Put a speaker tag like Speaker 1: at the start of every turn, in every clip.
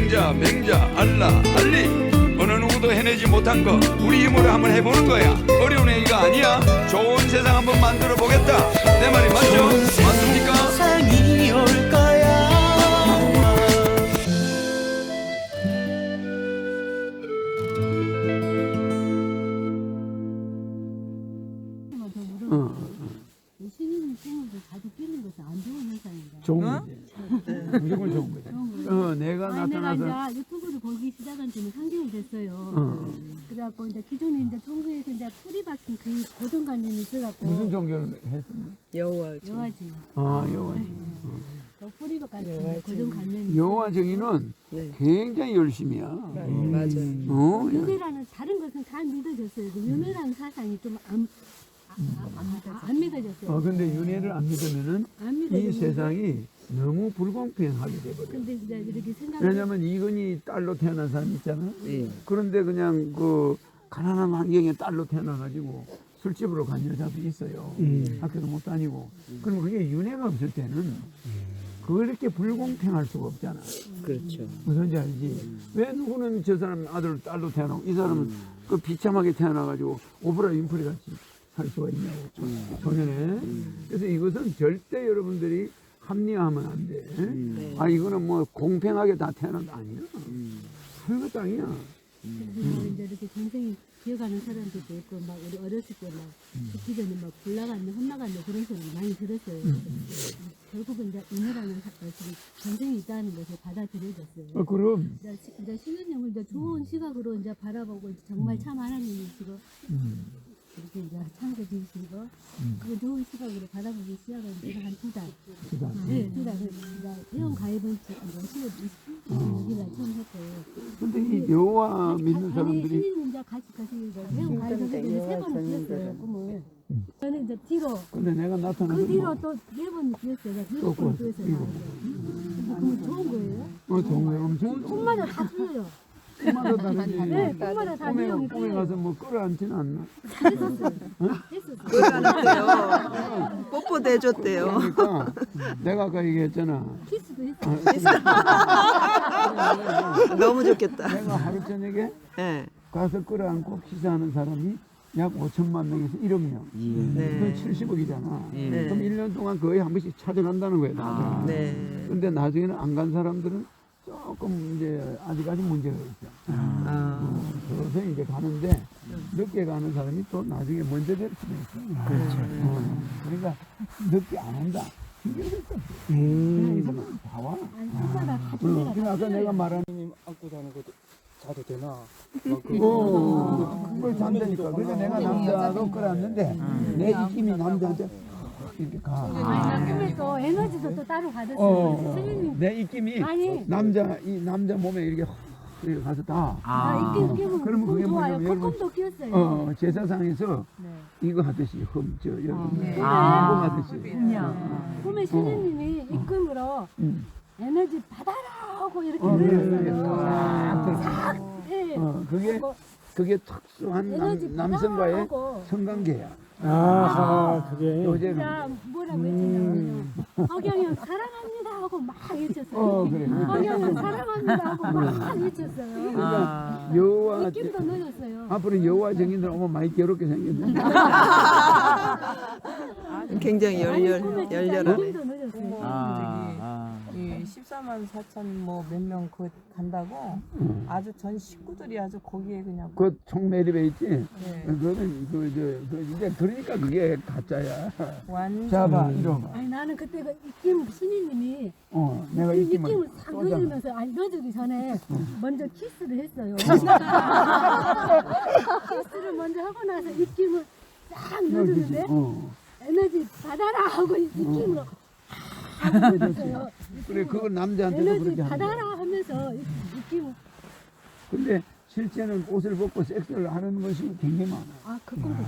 Speaker 1: 왕자, 맹자, 알라, 알리 어느 누구도 해내지 못한 거 우리 힘으로 한번 해보는 거야. 어려운 얘기가 아니야. 좋은 세상 한번 만들어 보겠다. 내 말이 맞죠? 맞습니까?
Speaker 2: 세상이 올 거야.
Speaker 3: 신인 친구들 자주 끼는 것은 안 좋은 현상인가?
Speaker 4: 좋은 거지. 무조건 좋은 거지. 내가 나타나서
Speaker 3: 내가 이제 유튜브를 보기 시작한 지는 3개월 됐어요. 그래갖고 이제 기존에 이제 종교에서 이제 뿌리 박힌 그 고정관념이 있어갖고
Speaker 4: 무슨 종교를 했습니까?
Speaker 3: 여화지.
Speaker 4: 여화지.
Speaker 3: 그 뿌리 박힌 고정관념이
Speaker 4: 여화 정의는 굉장히 열심이야.
Speaker 5: 맞아요.
Speaker 3: 윤회라는 다른 것은 다 믿어졌어요. 그 윤회라는 사상이 좀 안 믿어졌어요.
Speaker 4: 근데 윤회를 안 믿으면은
Speaker 3: 안
Speaker 4: 이
Speaker 3: 믿어졌는데
Speaker 4: 세상이 너무 불공평하게 돼버려.
Speaker 3: 근데 이제 이렇게 생각.
Speaker 4: 왜냐면 이건희 딸로 태어난 사람 있잖아.
Speaker 5: 예.
Speaker 4: 그런데 그냥 그 가난한 환경에 딸로 태어나가지고 술집으로 간 여자도 있어요. 학교도 못 다니고. 그러면 그게 윤회가 없을 때는 그렇게 불공평할 수가 없잖아.
Speaker 5: 그렇죠.
Speaker 4: 무슨지 알지? 왜 누구는 저 사람 아들 딸로 태어나고 이 사람은 그 비참하게 태어나가지고 오프라 윈프리 같이 할 수가 있냐고. 소년에. 그래서 이것은 절대 여러분들이 합리화하면 안 돼. 아 이거는 뭐 공평하게 다 태어난 거 아니야. 하늘의 땅이야.
Speaker 3: 그래서 이제 이렇게 동생이 기어가는 사람들도 있고 막 우리 어렸을 때 막 죽기 전에 막 불나갔네 혼나갔네 그런 소리 많이 들었어요. 결국은 이제 은혜라는 전생이 있다는 것을 받아들여졌어요.
Speaker 4: 그럼.
Speaker 3: 이제 신은님을 이제 좋은 시각으로 이제 바라보고 이제 정말 참 하나님이시고 이렇게 이제 창조주시고 그 좋은 시각으로 바라보기 시작한 지가 한 2달. 네, 2달. 이제 회원 가입은 10월 26일날 처음 했고요.
Speaker 4: 근데 이 여호와 믿는 사람들이
Speaker 3: 신인 이제 같이 회원 가입을 했는데 3번을 뛰었어요, 꿈을. 저는 이제 뒤로.
Speaker 4: 근데 내가 나타나서
Speaker 3: 그 뒤로 또 4번 뛰었어요. 6번 뛰었어요. 그럼 좋은 거예요?
Speaker 4: 좋은 거야. 엄청
Speaker 3: 꿈마다 다 틀려요.
Speaker 4: 꿈마다 다르지.
Speaker 3: 네, 꿈마다 다 내용이
Speaker 4: 꿈에
Speaker 3: 틀려요.
Speaker 4: 가서 뭐 끌어안지는 않나?
Speaker 5: 그러는데요. 뽀뽀도 해줬대요.
Speaker 4: 그러니까 내가 아까 얘기했잖아.
Speaker 3: 키스도 했어요.
Speaker 5: 너무 좋겠다.
Speaker 4: 내가 하루 저녁에
Speaker 5: 네.
Speaker 4: 가서 끌어안고 키스하는 사람이 약 5천만 명에서 1억 명.
Speaker 5: 네.
Speaker 4: 그럼 70억이잖아.
Speaker 5: 네.
Speaker 4: 그럼 1년 동안 거의 한 번씩 찾아간다는 거야. 나중에.
Speaker 5: 네.
Speaker 4: 근데 나중에는 안 간 사람들은 조금 이제 아직까지 문제가 있어. 그래서 이제 가는데 늦게 가는 사람이 또 나중에 먼저 될 수도 있어. 그러니까 늦게 안 온다. 이게 그랬어. 이 사람은 다 와.
Speaker 3: 아니, 꿈마다 다
Speaker 4: 그러니까
Speaker 3: 틀려요.
Speaker 4: 아까 내가 말한
Speaker 6: 안고 자는 것도 자도 되나?
Speaker 4: 그걸 잔다니까. 그래서 내가 남자도 끌었는데 내 입김이 남자한테 이렇게 가.
Speaker 3: 꿈에 또 에너지도 또 따로 받았어요. 선생님,
Speaker 4: 내 입김이
Speaker 3: 아니.
Speaker 4: 이 남자 몸에 이렇게 이렇게 가서 다.
Speaker 3: 나 이렇게 끼면
Speaker 4: 그러면 그게
Speaker 3: 좋아요.
Speaker 4: 뭐냐면 여러분,
Speaker 3: 콧꿈도 끼었어요.
Speaker 4: 제사상에서
Speaker 3: 네.
Speaker 4: 이거 하듯이 여러분
Speaker 3: 네.
Speaker 4: 하듯이.
Speaker 3: 꿈에 신우님이 입금으로 에너지 받아라 하고 이렇게
Speaker 4: 그래.
Speaker 3: 늘었어요. 네.
Speaker 4: 그게 특수한
Speaker 3: 에너지
Speaker 4: 남성과의
Speaker 3: 받아라고.
Speaker 4: 성관계야.
Speaker 6: 그게.
Speaker 4: 요새
Speaker 3: 진짜 뭐라고 했냐면 허경영 사랑합니다 하고 막 외쳤어요.
Speaker 4: 그래.
Speaker 3: 허경영 사랑합니다 하고 막 외쳤어요.
Speaker 4: 그러니까 여호와
Speaker 3: 입김도 늘었어요.
Speaker 4: 앞으로 여호와 증인들 오면 많이 괴롭게 생겼네.
Speaker 5: 굉장히 열렬하네.
Speaker 3: 입김도 늘었어요.
Speaker 7: 이 14만 4천 뭐 몇 명 그 간다고 아주 전 식구들이 아주 거기에 그냥
Speaker 4: 그 총매립에 있지.
Speaker 7: 네.
Speaker 4: 그거는 이제 그러니까 그게 가짜야.
Speaker 7: 완전
Speaker 4: 자봐 이러봐.
Speaker 3: 아니 나는 그때 그 입김 신이님이
Speaker 4: 내가
Speaker 3: 입김을 싹 넣으면서 아니 넣어주기 전에 먼저 키스를 했어요. 키스를 먼저 하고 나서 입김을 싹 넣어주는데 에너지 받아라 하고 입김으로 했어요.
Speaker 4: 그래 그건 남자한테도
Speaker 3: 에너지
Speaker 4: 그렇게 하는 거야.
Speaker 3: 받아라 하면서 입김을
Speaker 4: 근데 실제는 옷을 벗고 섹스를 하는 것이 굉장히 많아.
Speaker 3: 그 꿈도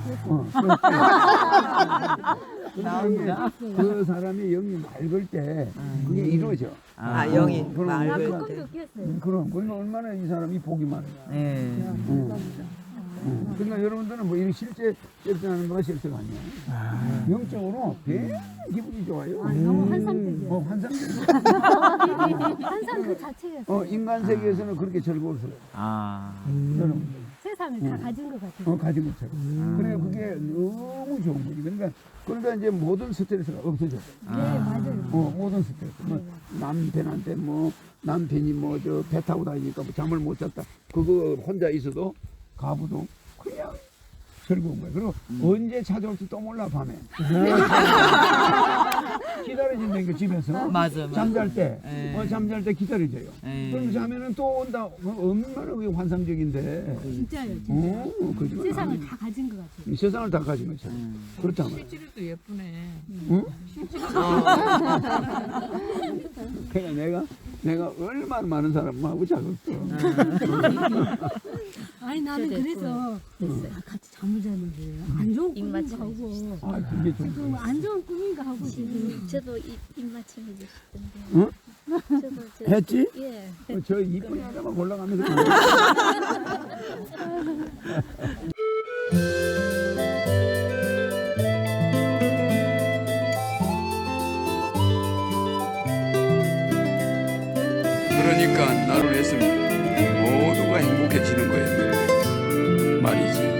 Speaker 3: 꿨어요.
Speaker 4: 나옵니다. 그 사람이 영이 맑을 때 그게 이루어져.
Speaker 5: 영이
Speaker 4: 그럼
Speaker 3: 나 그
Speaker 5: 맑을 때.
Speaker 3: 꿈도 깼어요.
Speaker 4: 그럼 얼마나 이 사람이 복이 많으냐. 그러니까 여러분들은 뭐 이런 실제 섹스하는 거가 섹스가 아니야. 영적으로 굉장히 기분이 좋아요.
Speaker 3: 너무 환상적이에요.
Speaker 4: 환상적이야.
Speaker 3: 환상 그 자체였어요.
Speaker 4: 인간 세계에서는 그렇게 즐거웠어요. 여러분.
Speaker 3: 세상을 다 가진 것 같아요.
Speaker 4: 가진 것처럼. 그래 그게 너무 좋은 거지. 그러니까 이제 모든 스트레스가 없어져.
Speaker 3: 네, 맞아요.
Speaker 4: 모든 스트레스. 뭐 남편한테 뭐 남편이 뭐 저 배 타고 다니니까 뭐 잠을 못 잤다. 그거 혼자 있어도 가부도 그냥 즐거운 거예요. 그리고 언제 찾아올지 또 몰라 밤에. 기다려진다는 게 집에서.
Speaker 5: 맞아.
Speaker 4: 잠잘 때, 잠잘 때 기다려져요.
Speaker 5: 에이.
Speaker 4: 그럼 자면은 또 온다. 얼마나 그게 환상적인데.
Speaker 3: 진짜요, 진짜.
Speaker 4: 거짓말
Speaker 3: 세상을
Speaker 4: 아니에요.
Speaker 3: 다 가진 것 같아요.
Speaker 4: 이 세상을 다 가진 것처럼. 그렇단 말이에요.
Speaker 7: 실질도 예쁘네.
Speaker 4: 응? 그냥 내가 얼마나 많은 사람하고 자극도.
Speaker 3: 아니 나는 그래서 같이 잠을 자는데 안 좋은 꿈인가 하고
Speaker 4: 그게 좀.
Speaker 3: 지금 안 좋은 꿈인가 하고 지금
Speaker 8: 저도 입맞춤 해주시던데.
Speaker 4: 응?
Speaker 8: 저도
Speaker 4: 했지?
Speaker 8: 예.
Speaker 4: 저 이쁜 여자만 골라가면서.
Speaker 1: 그러니까 나를 했으면 모두가 행복해지는 거였는데 말이지.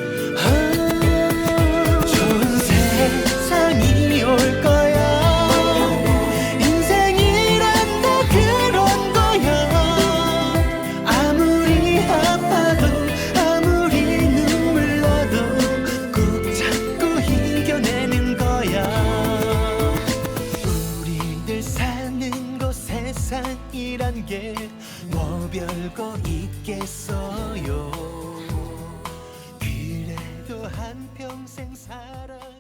Speaker 2: 좋은 세상이 올 거야. 인생이란 다 그런 거야. 아무리 아파도 아무리 눈물 나도 꾹 참고 이겨내는 거야. 우리들 사는 곳 세상이란 게 뭐 별거 있겠어요. 그래도 한평생 살아